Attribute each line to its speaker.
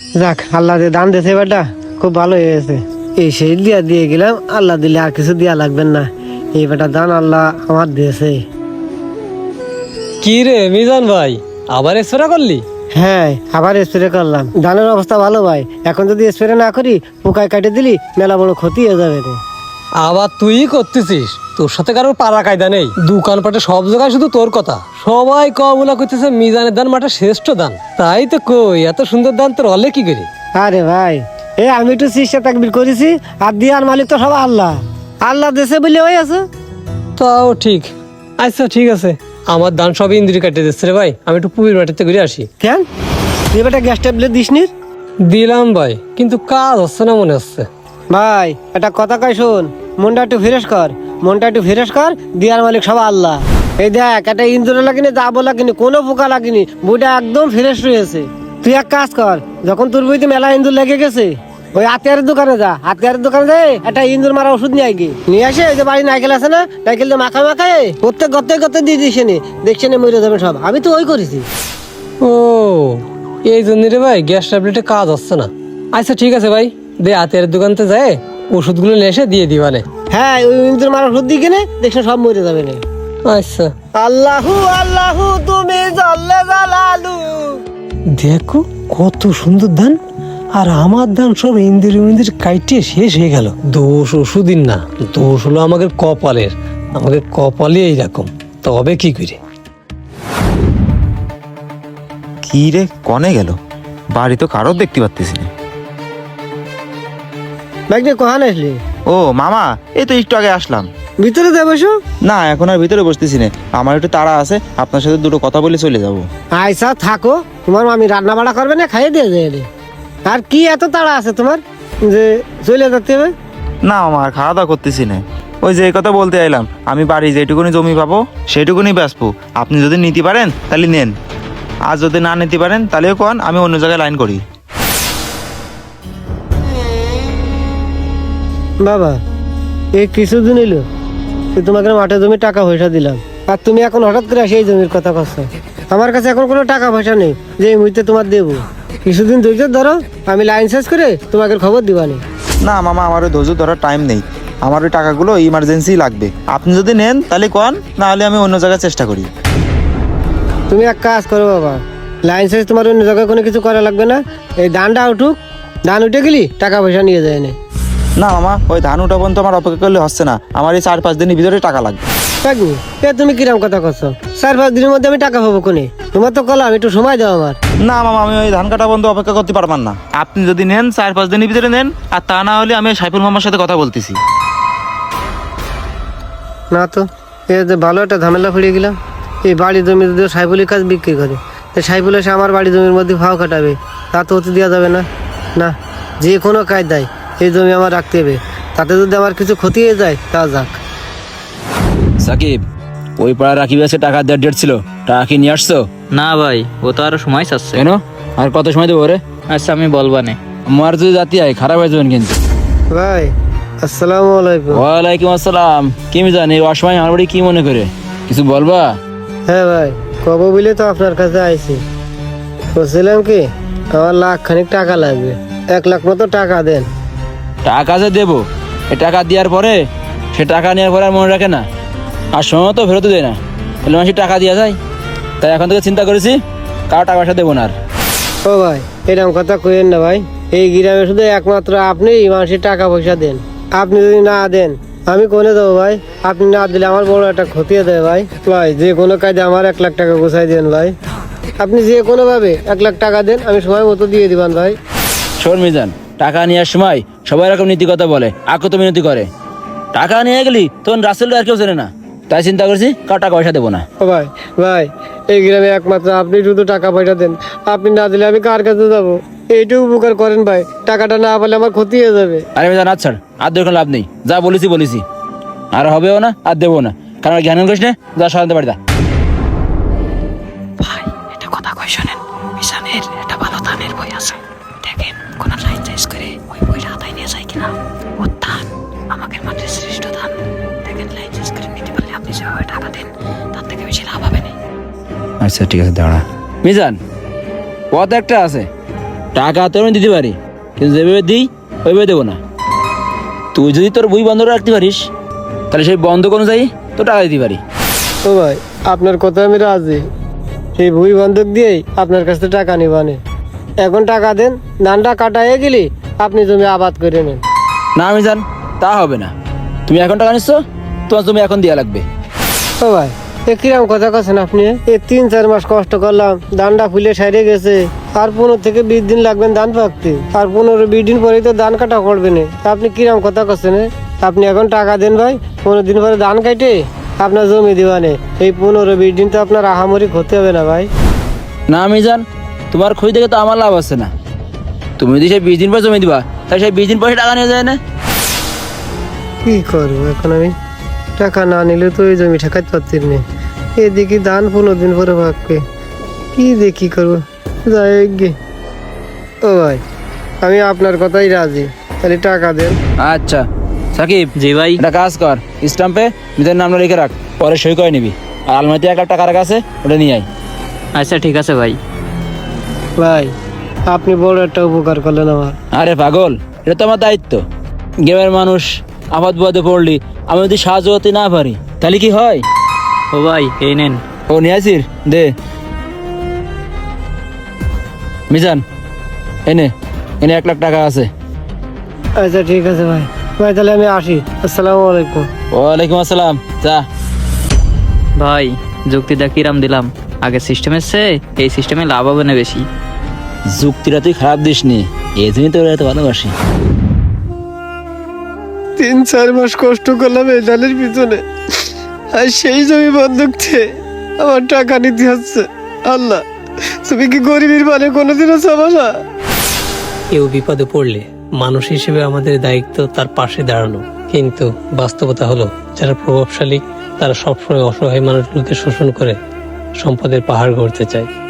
Speaker 1: যাক, আল্লাহ যে দান দিয়েছে এবারটা খুব ভালো হয়েছে। এই সেই দিয়ে গেলাম, আল্লাহ দিলে আর কিছু দেওয়া লাগবে না। এই বেটা দান আল্লাহ আমার দিয়েছে।
Speaker 2: কি রে মিজান ভাই, আবার স্প্রে করলি?
Speaker 1: হ্যাঁ, আবার স্প্রে করলাম। ধানের অবস্থা ভালো ভাই, এখন যদি স্প্রে না করি পোকায় কাটে দিলি মেলা বড় ক্ষতি হয়ে যাবে রে।
Speaker 2: আবার তুই করতেছিস? তোর সাথে কারোর পাড়া কায়দা নেই। দোকানপাটে সব জায়গায় শুধু তোর কথা। সবাই কবুলা করতেছে মিজানের দান মাঠে শ্রেষ্ঠ দান। তাই তো কই, এত সুন্দর দান তোর হলে কি করি?
Speaker 1: আরে ভাই, আমি একটু চেষ্টা তাকবির করেছি, আর দিয়ার মালিক তো সব আল্লাহ। আল্লাহ দেশে বলে ওই আছে।
Speaker 2: তাও ঠিক। আচ্ছা ঠিক আছে, আমার দান সব ইন্দ্রি কাটে দিচ্ছে রে ভাই। আমি একটু পুবির মাটিতে ঘুরে আসি।
Speaker 1: কেন তুই বেটা গ্যাস ট্যাবলেট দিস নি?
Speaker 2: দিলাম ভাই, কিন্তু কাজ হচ্ছে না মনে হচ্ছে।
Speaker 1: ভাই একটা কথা কই শোন, মনটা একটু ফ্রেশ কর, মনটা একটু ফ্রেশ কর। দিয়ার মালিক সব আল্লাহ। এই দেখ, একটা ইন্দুর লাগিনি, দাবো লাগিনি, কোনো পোকা লাগিনি, বইটা একদম ফ্রেশ রয়েছে। তুই এক কাজ কর, যখন তোর বইতে মেলা ইন্দুর লেগে গেছে, ওই আতিয়ারের দোকানে যা, আতিয়ারের দোকানে যাই একটা ইন্দুর মারা ওষুধ নিয়ে আগে নিয়ে আসে। ওই যে বাড়ি নাইকেল আছে না, নাইকেল দিয়ে মাখা মাখায় প্রত্যেক গতে দিয়ে দিস নি, দেখছে না মরে যাবে সব। আমি তো ওই করেছি।
Speaker 2: ও এই জন্য রে ভাই গ্যাস ট্যাবলেটে কাজ হচ্ছে না। আচ্ছা ঠিক আছে ভাই, দে হাতের দোকানতে যায় ওষুধগুলো নিয়ে এসে দিয়ে দিবানে।
Speaker 1: হ্যাঁ, ওই ইন্দুর মারা ওষুধ দিয়ে কিনে দেখছে সব মরে যাবে না।
Speaker 2: আচ্ছা
Speaker 1: আল্লাহু আল্লাহু তুমি জল্লে জালালু।
Speaker 2: দেখো কত সুন্দর ধান, আর আমার ধান সব ইন্দির কাইটে শেষ হয়ে গেল। দোষ ওষুধই না, দোষ হলো আমাদের কপালের। আমাদের কপালে এইরকম, তবে কি করে?
Speaker 3: কি রে, কনে গেল? বাড়ি তো কারোর দেখতে পাচ্ছিস না।
Speaker 1: ব্যাগটা কখন আসলি?
Speaker 3: ও মামা, এই তো একটু আগে আসলাম।
Speaker 1: ভিতরে যাবো?
Speaker 3: না, এখন আর ভিতরে বসতেছি না, আমার একটু তাড়া আছে, আপনার সাথে দুটো কথা বলে চলে যাব।
Speaker 1: আইসা থাকো, তোমার মামি রান্না বাড়া করবে না, খাইয়ে দিয়ে যায়। আর কি এত তাড়া আছে তোমার যে চলে যেতে হবে?
Speaker 3: না মামা, আর খাওয়া দাওয়া করতেছি না। ওই যে এই কথা বলতে আইলাম, আমি বাড়ি যেটুকুনি জমি পাবো সেটুকুনি বেচবো। আপনি যদি নিতে পারেন তাহলে নেন, আর যদি না নিতে পারেন তাহলেও কোন, আমি অন্য জায়গায় লাইন করি।
Speaker 1: বাবা, এই কিছুদিন এলো তোমাকে মাঠে জমি টাকা পয়সা দিলাম, আর তুমি এখন হঠাৎ করে সেই জমির কথা করছো। আমার কাছে এখন কোনো টাকা পয়সা নেই যে এই মুহূর্তে তোমার দেবো। কিছুদিন ধৈর্য ধরো, আমি লাইন শেষ করে তোমাকে খবর দিবানি।
Speaker 3: না মামা, আমার ওই ধৈর্য ধরার টাইম নেই, আমার ওই টাকাগুলো ইমার্জেন্সি লাগবে। আপনি যদি নেন তাহলে কোন, না হলে আমি অন্য জায়গায় চেষ্টা করি।
Speaker 1: তুমি এক কাজ করো বাবা, লাইন শেষ তোমার অন্য জায়গায় কোনো কিছু করা লাগবে না। এই ধানটা উঠুক, ধান উঠে গেলি টাকা পয়সা নিয়ে যায় না।
Speaker 3: না মামা, ওই ধান উঠা পর্যন্ত আমার অপেক্ষা করলে হচ্ছে না, আমার এই 4-5 দিনের ভিতরে টাকা লাগবে।
Speaker 1: থাকবো তুমি কিরম কথা করছো? 4-5 দিনের মধ্যে আমি টাকা পাবো কোনে? তোমার তো কলাম, একটু সময় দাও আমার।
Speaker 3: না মামা, আমি ওই ধান কাটা পর্যন্ত অপেক্ষা করতে পারবেন না। আপনি যদি নেন 4-5 দিনের ভিতরে নেন, আর তা না হলে আমি সাইফুল মামার সাথে কথা বলতেছি।
Speaker 1: না তো, এই যে ভালো একটা ঝামেলা পড়ে গেলাম। এই বাড়ি জমি যদি সাইফুলের কাজ বিক্রি করে, তো সাইফুল এসে আমার বাড়ি জমির মধ্যে ভাও কাটাবে, তা তো হতে দেওয়া যাবে না। না, যে কোনো কায়দায় এই জমি আমার রাখতে হবে, তাতে যদি আমার কিছু ক্ষতি হয়ে যায় তা যাক।
Speaker 4: সাকিব, ওই পাড়া রাকিব আছে, টাকা দেওয়ার ডেট ছিল, টাকা কি নিয়ে আসছো?
Speaker 5: না ভাই, ও তো আরো সময় চাচ্ছে।
Speaker 4: কেন, আর কত সময় দেবো রে?
Speaker 5: আচ্ছা আমি বলবানে।
Speaker 4: আমার যদি জাতি হয় খারাপ হয়ে যাবেন কিন্তু।
Speaker 1: ভাই আসসালামু আলাইকুম।
Speaker 4: ওয়ালাইকুম আসসালাম। কি জানি অসময় আমার বাড়ি কি মনে করে কিছু বলবা?
Speaker 1: হ্যাঁ ভাই, কব বলে তো আপনার কাছে আইছি। বলছিলাম কি, আমার লাখখানিক টাকা লাগবে, 1 লাখ মতো টাকা দেন।
Speaker 4: টাকা যে দেবো, এ টাকা দেওয়ার পরে সে টাকা নেওয়ার পরে আর মনে রাখে না, আর সময় তো ফেরত দেয় না, তাহলে মানুষের টাকা দেওয়া যায়। তাই এখন থেকে চিন্তা করেছি কারো টাকা পয়সা দেবো না আর।
Speaker 1: ও ভাই, এরকম কথা কইেন না ভাই। এই গ্রামে শুধু একমাত্র আপনি মানুষের টাকা পয়সা দেন। আপনি যদি না দেন আমি কোনে দেবো ভাই? আপনি না দিলে আমার বড় একটা ক্ষতি হয়ে দেয় ভাই। ভাই যে কোনো কাজে আমার 1 লাখ টাকা গোছাই দেন ভাই। আপনি যে কোনো ভাবে 1 লাখ টাকা দেন, আমি সময় মতো দিয়ে দিবেন ভাই।
Speaker 4: শোন মিজান, টাকা নেওয়ার সময় সবাই এরকম নীতি কথা বলে, আকো তো মিনতি করে। টাকা নিয়ে গেলি তখন রাসেল আর কেউ চেনে না, তাই চিন্তা করছি কার টাকা পয়সা দেবো না।
Speaker 1: ও ভাই, ভাই এই গ্রামে একমাত্র আপনি শুধু টাকা পয়সা দেন। আপনি না দিলে আমি কার কাছে যাবো? এইটুকু উপকার করেন ভাই, টাকাটা না পেলে আমার ক্ষতি হয়ে যাবে।
Speaker 4: আরে মিজান, আচ্ছা আর দেখুন লাভ নেই, যা বলেছি আর হবেও না, আর দেবো না, কারণ জ্ঞান করিস না, যা সারাতে পারি তা।
Speaker 5: ভাই এটা কথা কই শোনেন, মিশানের একটা ভালো ধানের বই আছে, দেখেন কোন লাইন চেঞ্জ করে ওই বইটা হাতায় নিয়ে যায় কিনা। ও ধান আমাদের মাঠের শ্রেষ্ঠ ধান, দেখেন লাইন চেঞ্জ করে নিতে পারলে আপনি যেভাবে টাকা দেন তার থেকে বেশি লাভ হবে না।
Speaker 4: আচ্ছা ঠিক আছে, দাঁড়া মিজান, পথ একটা আছে, টাকা তো আমি দিতে পারি, কিন্তু যেভাবে দিই ওইভাবে দেবো না। তুই যদি তোর বই বন্ধ রাখতে পারিস তাহলে সেই বন্ধক অনুযায়ী তো টাকা দিতে পারি।
Speaker 1: ও ভাই, আপনার কথা আমি রাজি। সেই ভুই বন্ধক দিয়েই আপনার কাছ থেকে টাকা নিবানে। এখন টাকা দেন, ধানটা কাটাইয়ে গেলি আপনি জমি আবাদ করে নেন।
Speaker 4: না আমি জান, তা হবে না। তুমি এখন টাকা নিচ্ছ, তোমার জমি এখন দেওয়া লাগবে।
Speaker 1: ও ভাই, এ কিরম কথা কছেন আপনি? 3-4 মাস কষ্ট করলাম, ধানটা ফুলে সাইরে গেছে, আর 15 থেকে 20 দিন লাগবেন ধান পাকতে, আর 15-20 দিন পরেই তো ধান কাটা করবে না। আপনি কিরম কথা কছেন? আপনি এখন টাকা দেন ভাই, 15 দিন পরে ধান কাটে আপনার জমি দিবানে। এই 15-20 দিন তো আপনার আহামরি ক্ষতি হবে না ভাই।
Speaker 4: না আমি জান, তোমার খই থেকে তো আমার লাভ আছে না। তুমি যদি সেই 20 দিন পর জমি দিবা, তাহলে সেই 20 দিন পরে টাকা নিয়ে যায় না।
Speaker 1: কি করবো এখন আমি? টাকা না নিলে তো ওই জমি ঠেকাতে পারছি না। এদিকে ধান 15 দিন পরে পাকবে, কি দেখি করবো, যাই গে। ও ভাই, আমি আপনার কথাই রাজি, তাহলে টাকা দেন।
Speaker 4: আচ্ছা সাকিব,
Speaker 5: জি ভাই।
Speaker 4: একটা কাজ কর, স্টাম্পে নিজের নামটা লিখে রাখ, পরে সই করে নিবি। আর আলমারিতে 1 লাখ টাকা রাখা আছে, ওটা নিয়ে আয়।
Speaker 5: আচ্ছা ঠিক আছে ভাই।
Speaker 1: ভাই, আপনি বড় একটা উপকার করলেন আমার।
Speaker 4: আরে পাগল, এটা তো আমার দায়িত্ব। গ্রামের মানুষ আপাত বিপদে পড়লি আমি যদি সাহায্য করতে না পারি তাহলে কি হয়?
Speaker 5: ও ভাই, এই নেন।
Speaker 4: ও নিয়ে আসির দে। মিজান, এনে এনে 1 লাখ টাকা আছে।
Speaker 1: আচ্ছা ঠিক আছে ভাই। ভাই তাহলে আমি আসি, আসসালামু আলাইকুম।
Speaker 4: ওয়ালাইকুম আসসালাম, যা।
Speaker 5: ভাই, যুক্তিটা কিরাম দিলাম? আগে সিস্টেমের চেয়ে এই সিস্টেমে লাভ হবে না বেশি।
Speaker 4: যুক্তিটা তুই খারাপ দিস নি, এই জন্যই তোর এত ভালোবাসি।
Speaker 1: 3-4 মাস কষ্ট করলাম এই ধানের পিছনে, আর সেই জমি বন্ধক দিয়ে আমার টাকা নিতে হচ্ছে। আল্লাহ, তুমি কি গরিবের মানে কোনোদিনও চাবা না?
Speaker 2: কেউ বিপদে পড়লে মানুষ হিসেবে আমাদের দায়িত্ব তার পাশে দাঁড়ানো, কিন্তু বাস্তবতা হলো যারা প্রভাবশালী তারা সবসময় অসহায় মানুষগুলোকে শোষণ করে সম্পদের পাহাড় গড়তে চায়।